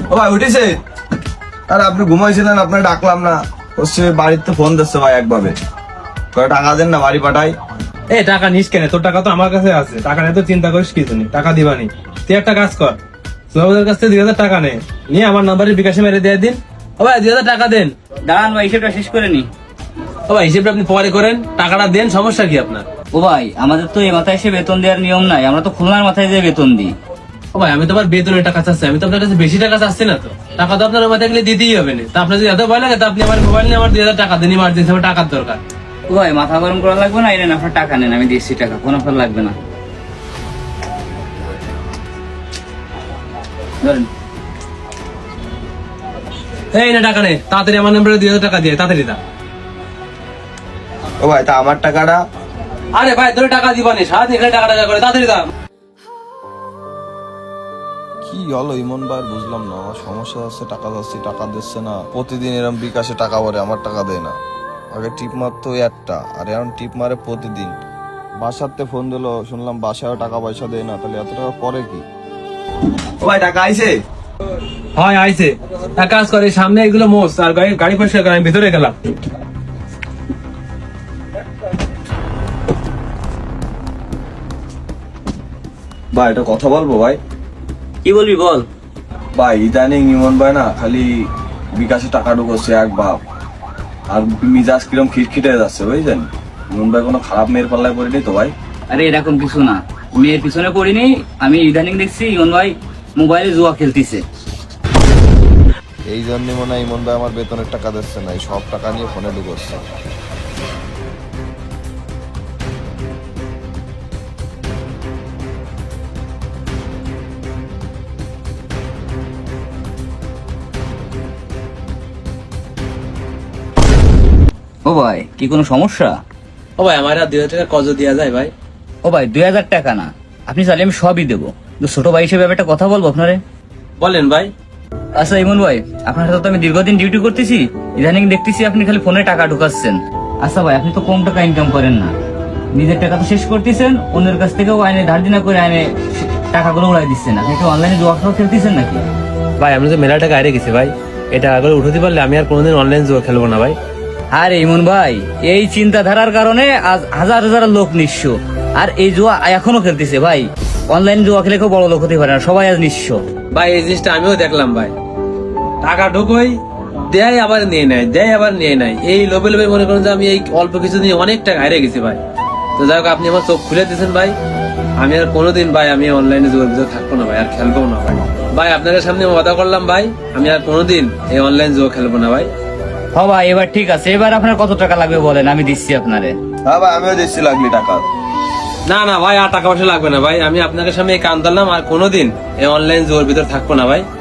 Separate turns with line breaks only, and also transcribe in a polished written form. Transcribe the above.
ও ভাই উঠেছে? আর আপনি ঘুমাইছিলেন, আপনার ডাকলাম না। হচ্ছে বাড়িতে ফোন দিচ্ছে ভাই একভাবে, টাকা দেন না বাড়ি পাঠাই।
এই টাকা নিস কেন? তোর টাকা তো আমার কাছে আছে, টাকা নিয়ে তো চিন্তা করিস কিছু নেই, টাকা দিবানি। তুই একটা কাজ কর, সোহাবের কাছ থেকে 2,000 টাকা নে, নিয়ে আমার নাম্বারে বিকাশে মেরে দিয়ে দিন। ও ভাই 2,000 টাকা দেন।
দাঁড়ান ভাই, হিসেবটা শেষ করে নি।
ও ভাই হিসেবটা আপনি পরে করেন, টাকাটা দেন, সমস্যা কি আপনার?
ও ভাই, আমাদের তো এই মাথায় এসে বেতন দেওয়ার নিয়ম নাই, আমরা তো খুলনার মাথায় দিয়ে বেতন দিই।
ও ভাই আমি তো আমার বেতনের টাকা চাচ্ছি, আমি তো আপনার কাছে বেশি টাকা চাচ্ছি না। তো টাকা তো আপনার মাথায় গেলে দিতেই হবে না। তা আপনার যদি এত ভয় লাগে, তা আপনি আমার মোবাইল নিয়ে আমার 2,000 টাকা দেন, ইমার্জেন্সি আমার টাকার দরকার।
ও ভাই মাথা গরম করা লাগবে না, এনেন আপনার টাকা নেন, আমি দিচ্ছি টাকা, কোনো আপনার লাগবে না। ধরেন।
এই না টাকা নে, তাড়াতাড়ি আমার নাম্বারে 2,000 টাকা দিয়ে তাড়াতাড়ি দা।
ও ভাই তা আমার টাকাটা?
আরে ভাই তোর টাকা দিবানি, সারাদিন এখানে টাকা টাকা করে, তাড়াতাড়ি দা।
কি হলো ইমন ভাই, বুঝলাম না। আমার সমস্যা আছে, টাকা যাচ্ছে, টাকা দিচ্ছে না। প্রতিদিন এরকম বিকাশে টাকা ভরে, আমার টাকা দেয় না। আগে টিপ মারতো একটা, আর এখন টিপ মারে প্রতিদিন। বাসাতে ফোন দিলো, শুনলাম বাসায় টাকা পয়সা দেয় না। তাহলে এত টাকা করে কি? ও ভাই টাকা আইছে?
হয় আইছে। এক কাজ করে, সামনে এগুলো মোস আর গাড়ি পরিষ্কার করে, আমি ভিতরে গেলাম।
ভাই এটা কথা বলবো ভাই?
কি বলবি বল।
ভাই ইদানিং ইমন ভাই না খালি বিকাশে টাকা ঢুকছে এক ভাব, আর মিজাজ কিরম খিটখিটে যাচ্ছে বুঝছেন। ইমন ভাই কোনো খারাপ মেয়ের পাল্লায় পড়েনি তো ভাই?
আরে এরকম কিছু না, মেয়ের পিছনে পড়িনি। আমি ইদানিং দেখছি ইমন ভাই মোবাইলে জুয়া খেলতেছে।
এই জন্য মনে হয় ইমন ভাই আমার বেতনের টাকা দিচ্ছে না, এই সব টাকা নিয়ে ফোনে ঢুকছে।
ও ভাই কি কোনো সমস্যা?
ও ভাই আমার আর 2,000 টাকা কত দেওয়া যায় ভাই?
ও ভাই 2,000 টাকা না, আপনি চাইলে আমি সবই দেবো, কিন্তু ছোট ভাই হিসেবে একটা কথা বলবো আপনারে।
বলেন ভাই।
আচ্ছা ইমন ভাই, আপনার সাথে তো আমি দীর্ঘদিন ডিউটি করতেছি, ইদানিং দেখতেছি আপনি খালি ফোনে টাকা ঢুকাচ্ছেন। আচ্ছা ভাই, আপনি তো কম টাকা ইনকাম করেন না, নিজের টাকা তো শেষ করতেছেন, অন্যের কাছ থেকেও আইনে ধার দিনা করে আইনে টাকাগুলো উড়াই দিচ্ছেন। আপনি কি অনলাইনে জুয়া খেলতেছেন নাকি?
ভাই আমি তো মেলা টাকা হারিয়ে গেছি ভাই, এই টাকাগুলো উঠাতে পারলে আমি আর কোনোদিন অনলাইন জুয়া খেলবো না ভাই।
আরে ইমন ভাই, এই চিন্তাধারার কারণে আজ হাজার হাজার লোক নিঃস্ব, আর এই জুয়া এখনো খেলতেছে ভাই। অনলাইন জুয়া খেলে কেউ বড় লোক হতে পারে না, সবাই আজ নিঃস্ব।
ভাই এই জিনিসটা আমিও দেখলাম ভাই, টাকা ঢুকোই দেয় আবার নিয়ে নেয়, দেয় আবার নিয়ে নেয়, এই লোভে লোভে মনে করেন যে আমি এই অল্প কিছু নিয়ে অনেক টাকা হারিয়ে গেছি ভাই। তো যাই হোক, আপনি আমার চোখ খুলে দিয়েছেন ভাই, আমি আর কোনোদিন ভাই আমি অনলাইনে জুয়ার ভিতরে থাকবো না ভাই, আর খেলবো না ভাই। ভাই আপনাদের সামনে কথা করলাম ভাই, আমি আর কোনোদিন এই অনলাইন জুয়া খেলবো না ভাই।
হ্যাঁ ভাই, এবার ঠিক আছে, এবার আপনার কত টাকা লাগবে বলেন, আমি দিচ্ছি আপনারে।
হ্যাঁ ভাই আমিও দিচ্ছি লাগলি টাকা।
না না ভাই, আর টাকা পয়সা লাগবে না ভাই, আমি আপনাদের সামনে এই কান ধরলাম, আর কোনোদিন এই অনলাইন জুয়ার ভিতরে থাকবো না ভাই।